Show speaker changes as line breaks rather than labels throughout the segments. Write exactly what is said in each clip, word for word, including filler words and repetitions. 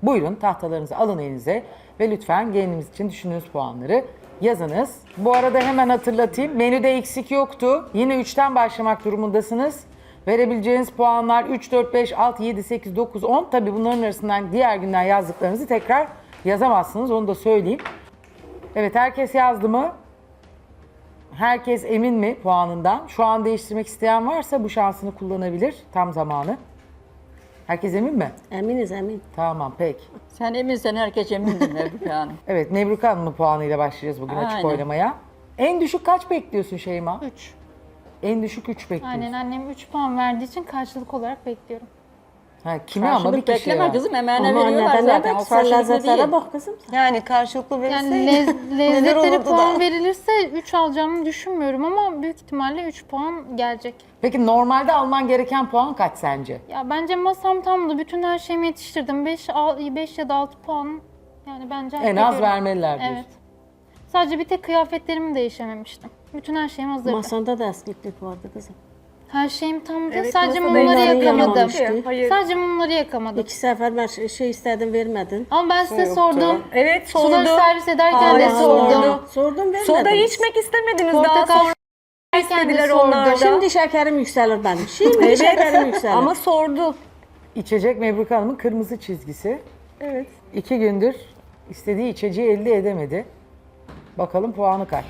Buyurun tahtalarınızı alın elinize ve lütfen gelinimiz için düşündüğünüz puanları yazınız. Bu arada hemen hatırlatayım. Menüde eksik yoktu. Yine üçten başlamak durumundasınız. Verebileceğiniz puanlar üç, dört, beş, altı, yedi, sekiz, dokuz, on. Tabii bunların arasından diğer günden yazdıklarınızı tekrar yazamazsınız. Onu da söyleyeyim. Evet, herkes yazdı mı? Herkes emin mi puanından? Şu an değiştirmek isteyen varsa bu şansını kullanabilir. Tam zamanı. Herkes emin mi?
Eminiz emin.
Tamam, peki.
Sen eminsen herkes emindir Mevlüt Hanım.
Evet, Nebruka Hanım'ın puanıyla başlayacağız bugün açık
Aynen.
oylamaya. En düşük kaç bekliyorsun Şeyma?
üç.
En düşük üç bekliyorsun.
Aynen, annem üç puan verdiği için karşılık olarak bekliyorum.
Ha, kime ama bir
Karşılık
kişiye
bekleme
ver.
kızım, emeğine
Ama
veriyorlar
neden
zaten.
ne
O
bak sen
karşılıklı
lezzetlere
değil.
bak kızım.
Yani karşılıklı
Yani
verilseydi
lez,
neler
lezzetlere
olurdu
puan
da.
verilirse üç alacağımı düşünmüyorum ama büyük ihtimalle üç puan gelecek.
Peki normalde alman gereken puan kaç sence?
Ya bence masam tamdı. Bütün her şeyimi yetiştirdim. beş, beş ya da altı puan yani bence hak
En az
ediyorum.
vermeliler diyorsun.
Evet. Sadece bir tek kıyafetlerimi değişememiştim. Bütün her şeyim hazırdı.
Masanda da eskiklik vardı kızım.
Her şeyim tamdı.
Evet,
Sadece
masada
mumları
ellerini
yakamadım.
yamamıştı.
Hayır.
Sadece mumları yakamadım.
İki sefer ben şey- şey istedim vermedin.
Ama ben size
yoktu.
sordum.
Evet
Suları
sordu.
servis ederken de
Hala
sordum.
sordu.
Sordum vermedin.
Soda içmek istemediniz daha
Portakal
sonra
yerken de
istediler
sordum.
onlar da.
Şimdi şekerim yükselir benim. Şimdi şekerim yükselir.
Ama sordu.
İçecek Nebruka Hanım'ın kırmızı çizgisi.
Evet.
İki gündür istediği içeceği elde edemedi. Bakalım puanı kaç?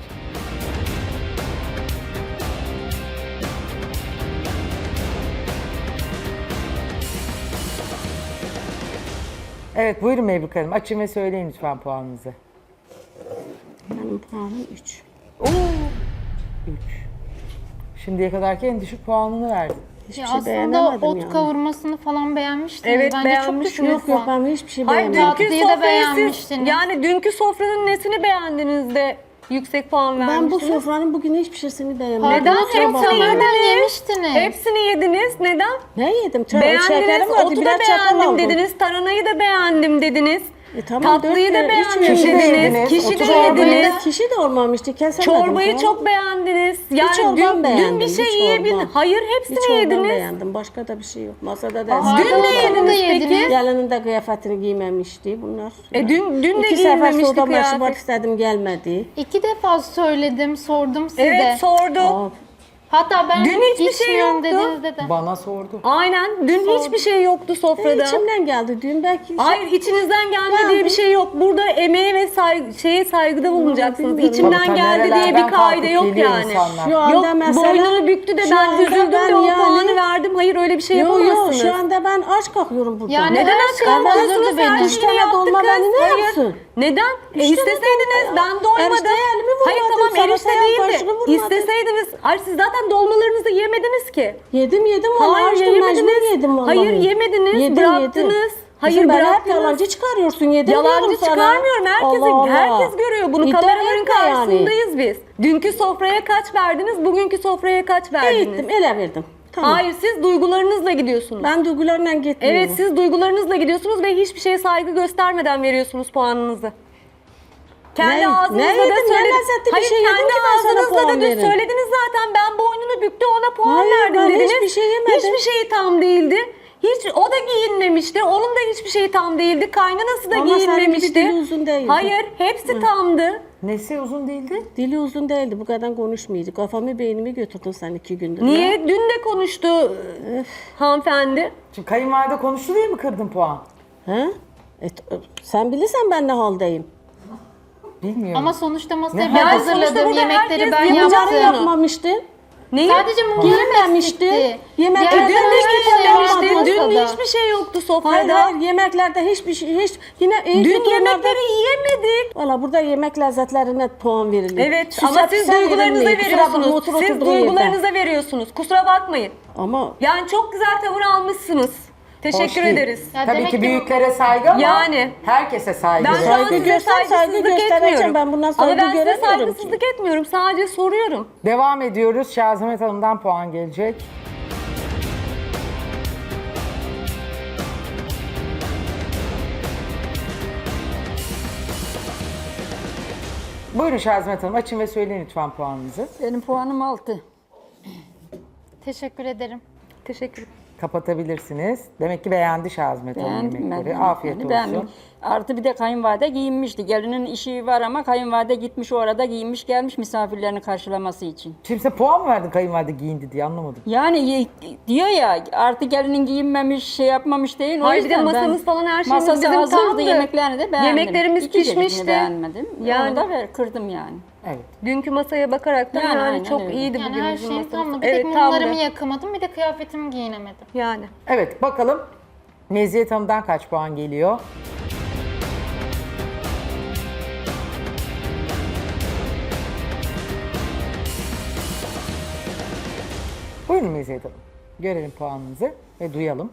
Evet, buyurun Mebruka Hanım. Açın ve söyleyin lütfen puanınızı.
Benim puanım üç.
üç. Şimdiye kadarki en düşük puanını verdin.
Hiçbir
Ya
şey
aslında
beğenemedim
ot
yani.
kavurmasını falan beğenmiştiniz.
Evet,
Bence
beğenmiş.
çok düşük
Yok
bir
yok
puan.
ben hiçbir şey
Hayır
beğenmedim.
dünkü
Tatlıyı da
sofrayı siz,
beğenmiştiniz.
yani dünkü sofranın nesini beğendiniz de yüksek puan
Ben bu
vermiştiniz?
sofranın bugün hiçbir şeysini beğenmedim.
Pardon,
Neden?
oturup
Hepsini
sonradan
yediniz.
yemiştiniz.
Hepsini yediniz. Neden?
Ne yedim? Çay,
Beğendiniz,
şekerim vardı.
otu da
Biraz çatal
beğendim
aldım.
dediniz, taranayı da beğendim dediniz.
E tamam,
Tatlıyı
dört
da
kere, üç
beğendim
kişi de
dediniz,
yediniz,
kişi
otu
de
da
yediniz.
yediniz.
Kişi de olmamıştı. Kesemedim.
Çorbayı
falan.
çok beğendiniz. Yani
çorban
dün, dün
beğendim,
bir
bir
şey
çorba.
yiyebildiniz. Hayır
Bir
hepsini
çorba
yediniz.
beğendim. Başka da bir şey yok. Masada da
Aa,
Dün ne
Çorbanı da
yediniz peki?
yediniz.
Gelinin de kıyafetini giymemişti bunlar.
E dün dün de
İki sefer
giyinmemişti
soda meşrubat
kıyafet.
istedim gelmedi.
İki defa söyledim, sordum size.
Evet sordu.
Aa,
Hatta ben
Dün hiçbir şey
içmiyorum
yoktu.
dediğinizde de.
Bana sordu.
Aynen. Dün hiçbir şey yoktu sofrada.
içimden geldi. Dün belki
Hayır içinizden geldi
Geldi.
diye bir şey yok. Burada emeğe ve saygı, şeye saygıda bulunacaksınız.
bilmiyorum.
İçimden
Tabii,
geldi diye
nerelerden
bir kaide
kalkıp
yok
geliyor
yani.
insanlar.
şu anda
Yok
mesela
boynunu büktü de
şu
ben
anda
üzüldüm
ben
de o
yani-
puanı verdim. Hayır öyle bir şey
Yok
yapamazsınız.
yok şu anda ben aç kalkıyorum burada.
Yani
Neden
her
aç
şey
kalmıyorsunuz?
hazırdı
Her
benim.
Üç
şeyi
tane
yaptık
dolma
kız.
beni ne
Hayır.
yapsın?
Neden? E,
Üç tane
isteseydiniz
dolma.
ben doymadım.
Erişte elimi vurmadım,
Hayır tamam
salataya
erişte
başını
değildi.
vurmadım.
İsteseydiniz. Hayır siz zaten dolmalarınızı yemediniz ki.
Yedim yedim vallahi
Hayır
açtım
yemediniz.
mecbur yedim vallahi.
Hayır yemediniz.
Yedim,
bıraktınız.
yedim.
Hayır
Kızım, ben hep
bıraktınız.
yalancı çıkarıyorsun yedim
Yalancı
diyorum sana.
çıkarmıyorum. Herkes,
Allah Allah.
herkes görüyor bunu.
İddia
Kameraların
etme yani.
karşısındayız biz. Dünkü sofraya kaç verdiniz? Bugünkü sofraya kaç verdiniz?
Gittim ele verdim. Tamam.
Hayır siz duygularınızla gidiyorsunuz.
Ben duygularla gitmiyorum.
Evet siz duygularınızla gidiyorsunuz ve hiçbir şeye saygı göstermeden veriyorsunuz puanınızı. Kendi
Ne-
ağzınızla
ne
da
yedim, ne
söylediniz.
lezzetli bir
Hayır
şey yedim
kendi
ki ben sana
ağzınızla
puan
da dün
veririm.
söylediniz zaten ben boynunu büktü ona puan
Hayır,
verdim
ben
dediniz.
hiçbir şey yemedim.
Hiçbir şeyi tam değildi. Hiç o da giyinmemişti. Onun da hiçbir şeyi tam değildi. Kaynanası da
Ama senin gibi
giyinmemişti.
dili uzun değildi.
Hayır, hepsi tamdı.
Nesi uzun değildi?
Dili uzun değildi. Bu kadar konuşmuyordu. Kafamı beynimi götürdün sen iki gündür. ya.
Niye? Dün de konuştu hanımefendi.
Şimdi kayınvalide konuştu diye mi kırdın puan?
Ha? E, t- sen bilirsen ben ne haldeyim.
Bilmiyorum.
Ama sonuçta masayı
Ne
ben
hal-
sonuçta
hazırladım,
burada
yemekleri
herkes
ben
yapacak
Bunları
yaptım.
yapmamıştın.
Neyi?
Sadece mumlarım
Giyinmemişti.
eksikti.
Yemeklerde
Diğer
Dün de
hiçbir şey vardı
giyinmemişti. Dün
masada.
hiçbir şey yoktu
Hayır
sofrada.
hayır yemeklerde hiçbir şey hiç yine iyi
Dün
kötü
yemekleri
onlarda-
yiyemedik.
Valla burada yemek lezzetlerine puan verilir.
Evet
Süse
ama siz
püse
duygularınıza
verilmiyor. Kusura bakma,
veriyorsunuz.
otur
Siz
oturduğun yerde.
duygularınıza veriyorsunuz. Kusura bakmayın.
Ama
Yani çok güzel tavır almışsınız.
Hoş
Teşekkür
değil.
ederiz.
Ya
Tabii
demek
ki
ki-
büyüklere saygı ama
Yani.
herkese saygı.
Ben
var.
şu an
Saygı
size
göster, saygı
saygısızlık
göstereceğim.
etmiyorum.
Ben bundan
Ama
saygı
ben size
göremiyorum ki.
saygısızlık etmiyorum. Sadece soruyorum.
Devam ediyoruz. Şazimet Hanım'dan puan gelecek. Buyurun Şazimet Hanım açın ve söyleyin lütfen puanınızı.
Benim puanım altı.
Teşekkür ederim.
Teşekkür
Kapatabilirsiniz. Demek ki beğendi Şazmet Hanım
Beğendim ben.
yemekleri. Afiyet
Yani
olsun.
beğendim. Artı bir de kayınvalide giyinmişti. Gelinin işi var ama kayınvalide gitmiş orada giyinmiş gelmiş misafirlerini karşılaması için.
Şimdi sen puan mı verdin kayınvalide giyindi diye anlamadım.
Yani y- diyor ya artık gelinin giyinmemiş şey yapmamış değil. O
Hayır, bir de
yüzden ben-
masamız falan her şeyimiz
masası
bizim
hazırdı,
tamdı.
yemeklerini de beğendim.
Yemeklerimiz
İki çeşidini
pişmişti.
beğenmedim.
Yani-
Onu da ver, kırdım yani.
Evet.
Dünkü masaya bakarak da
Yani
yani,
aynen
çok
öyle.
iyiydi
Yani
bugün
her
bizim
şeyim
masamız.
tamdı. Bir
Evet,
tek
tamdı.
mumlarımı yakamadım, bir de kıyafetimi giyinemedim.
Yani.
Evet bakalım Meziyet Hanım'dan kaç puan geliyor? Buyurun Meziyet Hanım. Görelim puanınızı ve duyalım.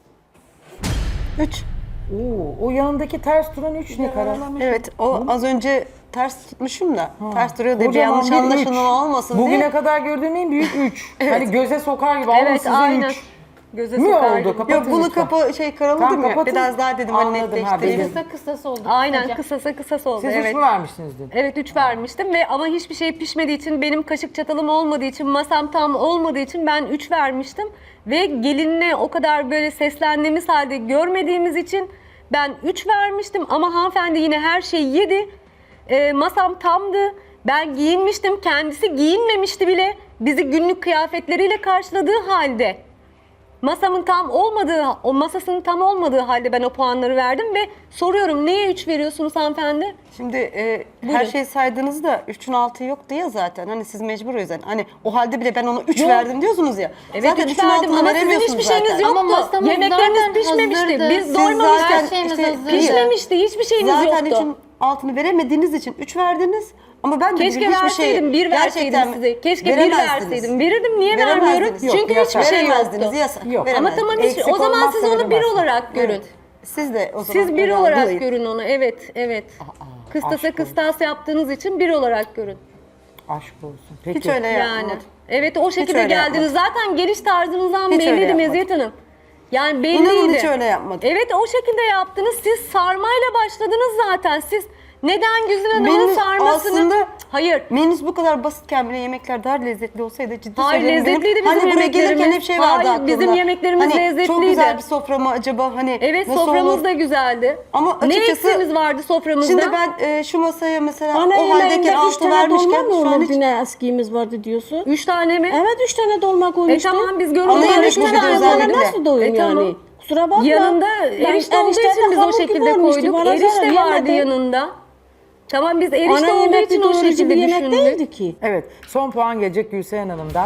Üç.
Oo, o yanındaki ters duran üç ne karar?
Evet, o az önce ters tutmuşum da. Ters duruyor diye bir
Kocaman
yanlış
bir üç.
anlaşılma olmasın
Bugüne
diye.
kadar gördüğüm en büyük üç. Hani göze sokar gibi ama
Evet,
size
aynen.
üç.
Göze
Mi
sokar
oldu?
gibi.
Kapatın
Yok bunu
lütfen.
kapa şey karaladım
Tamam,
ya.
kapatın.
Biraz daha dedim hani
Anladım, ha,
netleştireyim.
benim-
Kısa kısası oldu.
Aynen
kısaca.
kısasa kısası oldu.
Siz
evet.
üç mü vermiştiniz dün?
Evet üç vermiştim ve ama hiçbir şey pişmediği için benim kaşık çatalım olmadığı için masam tam olmadığı için ben üç vermiştim. Ve gelinle o kadar böyle seslendiğimiz halde görmediğimiz için ben üç vermiştim ama hanımefendi yine her şeyi yedi. Ee, masam tamdı. Ben giyinmiştim. Kendisi giyinmemişti bile. Bizi günlük kıyafetleriyle karşıladığı halde. Masamın tam olmadığı, o masasının tam olmadığı halde ben o puanları verdim ve soruyorum neye üç veriyorsunuz hanımefendi?
Şimdi e,
Buyurun.
her şeyi saydınız da üçün altı yoktu ya zaten. Hani siz mecbur o yüzden. Hani o halde bile ben ona üç
Yok.
verdim diyorsunuz ya.
Evet
zaten
üç
üçün
verdim
altını
ama sizin
veremiyorsunuz
hiçbir şeyiniz
zaten.
yoktu.
Ama masamız
Yemekleriniz
zaten
pişmemişti.
hazırdı.
Biz
Siz
doymamıştık.
zaten- Her şeyimiz
işte
hazırdı.
Pişmemişti. Hiçbir şeyiniz
Zaten
yoktu.
üçün altını veremediğiniz için üç verdiniz. Ama ben de
Keşke
bugün hiçbir şey
verseydim, bir verseydim
gerçekten
size. Keşke bir
veremezdiniz.
verseydim. Verirdim, niye
Veremezdiniz.
vermiyorum?
Yok,
Çünkü
yasak.
hiçbir şey
Veremezdiniz,
yoktu.
yasak.
Yok.
Veremez.
Ama tamam hiç,
Eksik
o zaman
olmazsa
siz onu bir
veremezsin.
olarak görün.
Evet. Siz de o zaman
Siz bir
öyle
olarak
algılayın.
görün onu. Evet, evet. Kıstasa
aşk
kıstas yaptığınız için bir olarak görün.
Aşk olsun. Peki.
Hiç öyle
Yani.
yapmadım.
Evet o şekilde
öyle
geldiniz. Zaten geliş tarzınızdan
Hiç öyle
belliydi
yapmadım.
Meziyet Hanım. Yani belliydi.
İnanın hiç öyle yapmadım.
Evet o şekilde yaptınız. Siz sarmayla başladınız zaten. Siz neden Güzin Hanım'ın
Benim
sarmasını...
aslında-
Hayır.
Menüs bu kadar basitken bile yemekler daha lezzetli olsaydı ciddi
Hayır,
söylüyorum.
lezzetliydi
benim,
bizim
hani buraya gelirken
yemeklerimiz.
hep şey vardı
Hayır,
aklımda.
bizim yemeklerimiz
hani Çok
lezzetliydi.
güzel bir sofra mı acaba hani
Evet
nasıl
soframız
olur?
da güzeldi.
Ama
ne
açıkçası-
eksiğimiz vardı soframızda?
Şimdi ben e, şu masaya mesela
Ana
o haldeyken
yemeğinde üç
altı
tane
vermişken
dolma mı
şu an
olur?
hiç...
Yine eskiğimiz vardı diyorsun.
Üç tane mi?
Evet üç tane dolma
E
koymuştun.
tamam biz
Ana
görüntüleri
yemek
üç
bu bir
tane
de
hayvana
özellikle.
nasıl doyum
E,
yani?
tamam.
Kusura bakma.
Yanında
Ben
erişte olduğu
erişte
için biz o
hamur gibi
şekilde
olmuştu.
koyduk.
Bana
Erişte
zarar
vardı
yemedi.
yanında. Tamam biz erişte
Ana
olduğu
yemek
için
bir
o
doyurucu
şekilde
bir yemek
düşündük.
değildi ki.
Evet. Son puan gelecek Gülseren Hanım'dan.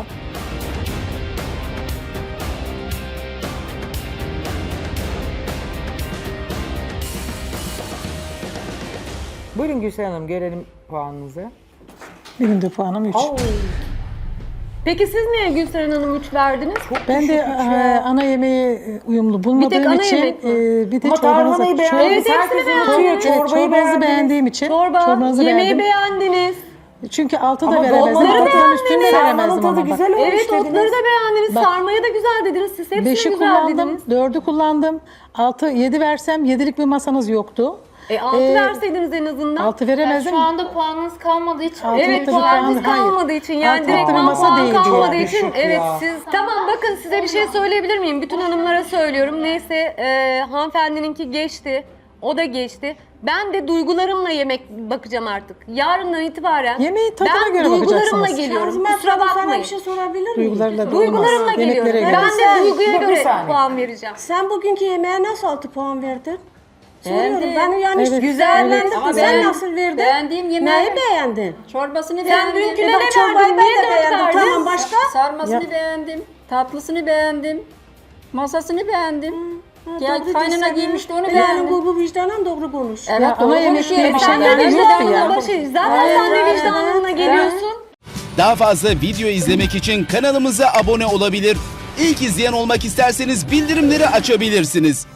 Buyurun Gülseren Hanım görelim puanınızı.
Benim de puanım üç.
Peki siz niye Gülseren Hanım üç verdiniz?
Ben de e, ana yemeği e, uyumlu bulmadığım
ana
için
yemek mi?
e, bir de
Ama
çorbanızı,
tarhanayı
çor-
beğendiniz.
Evet,
Herkes
hepsini
unutuyor.
beğendim.
Çorbayı
çorbanızı
beğendiniz.
beğendiğim için
Çorba,
çorbanızı
yemeği
beğendim.
beğendiniz.
Çünkü altı
Ama
da veremezdim.
dolmaları
Altının üstünü de
Sarmanın
veremezdim
tadı
ama bak.
güzel olmuş
Evet
dediniz.
otları da beğendiniz.
Bak.
Sarmayı da güzel dediniz. Siz hepsini
Beşi
güzel
kullandım,
dediniz.
dördü kullandım. Altı, yedi versem yedilik bir masanız yoktu.
E altı
Ee,
verseydiniz en azından.
Altı
Yani
veremezdim.
şu anda puanınız kalmadığı için.
Altı
Evet
nokta bir
puanınız
puan- hayır.
kalmadığı için yani
Altı
direkt
nokta bir masa
puan
değildi
kalmadığı
yani.
için
Düşük
evet
ya.
siz tamam bakın size bir şey söyleyebilir miyim? Bütün hanımlara söylüyorum. Neyse e, hanımefendininki geçti. O da geçti. Ben de duygularımla yemek bakacağım artık. Yarından itibaren
Yemeği tadına
ben
göre
duygularımla
bakacaksınız.
geliyorum.
Şazmen
Kusura
sana
bakmayın.
bir şey sorabilir miyim?
Duygularla da
Duygularımla
olmaz.
geliyorum.
Yemeklere
Ben
göre.
de duyguya
Bir
göre
saniye.
puan vereceğim.
Sen bugünkü yemeğe nasıl altı puan verdin? Soruyorum.
Beğendim.
Ben yani
Evet,
güzellendim.
evet. Ama
Sen
beğen-
nasıl verdin?
beğendiğim yemeği-
Neyi beğendin?
Çorbasını
Sen
beğendim.
dünküne
Bak,
ne
çorbayı
verdin?
ben
Niye
de
dört
beğendim.
verdin?
Tamam başka?
Sarmasını
Ya.
beğendim. Tatlısını beğendim. Masasını beğendim. Ya
Doğru
kaynana
desene.
giymişti onu
Yani
beğendim.
bu, bu vicdanen doğru konuş.
Evet
Ya
doğru
ana yemek
konuşuyor.
diye bir şey
Sen de
yani yok
vicdanına
ya.
başı. Zaten sen de vicdanına geliyorsun.
Daha fazla video izlemek için kanalımıza abone olabilir. İlk izleyen olmak isterseniz bildirimleri açabilirsiniz.